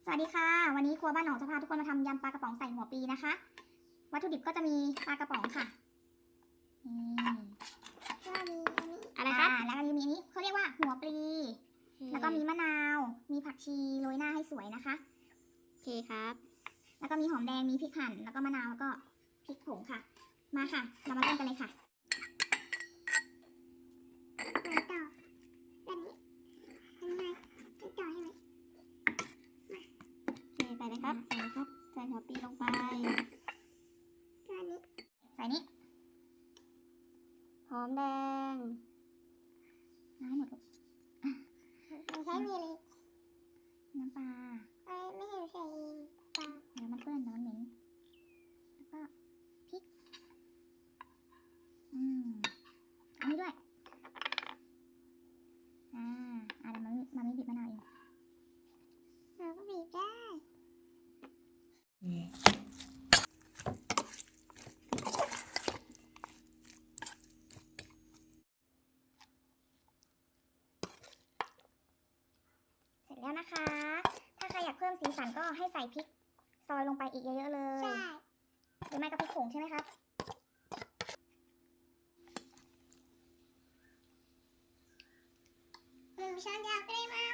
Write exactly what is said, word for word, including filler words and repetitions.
สวัสดีค่ะวันนี้ครัวบ้านหนองจะพาทุกคนมาทำยำปลากระป๋องใส่หัวปลีนะคะวัตถุดิบก็จะมีปลากระป๋องค่ะนี่อะไรครับแล้วก็มีอันนี้เขาเรียกว่าหัวปลีแล้วก็มีมะนาวมีผักชีโรยหน้าให้สวยนะคะโอเคครับแล้วก็มีหอมแดงมีพริกหั่นแล้วก็มะนาวแล้วก็พริกผงค่ะมาค่ะเรามาเริ่มกันเลยค่ะต่อแบบนี้ทำไงต่อใช่ไหมโอเคใส่เลยครับใส่เลยครับใส่หัวปลีลงไปใส่นี้หอมแดงน้ำหมดลูกไม่ใช่มีเลยน้ำปลาไม่เห็นใส่ปลาเดี๋ยวมันเปื้อนเดี๋ยวมันเหม็นแล้วก็พริกอืมอันนี้ด้วยอ่าอ่าเดี๋ยวมันมันไม่บีบมะนาวเองเราก็บีบได้เสร็จแล้วนะคะ ถ้าใครอยากเพิ่มสีสันก็ให้ใส่พริกซอยลงไปอีกเยอะๆเลยใช่หรือไม่ก็พริกผงใช่ไหมครับหนึ่งช้อนยาวก็ได้มา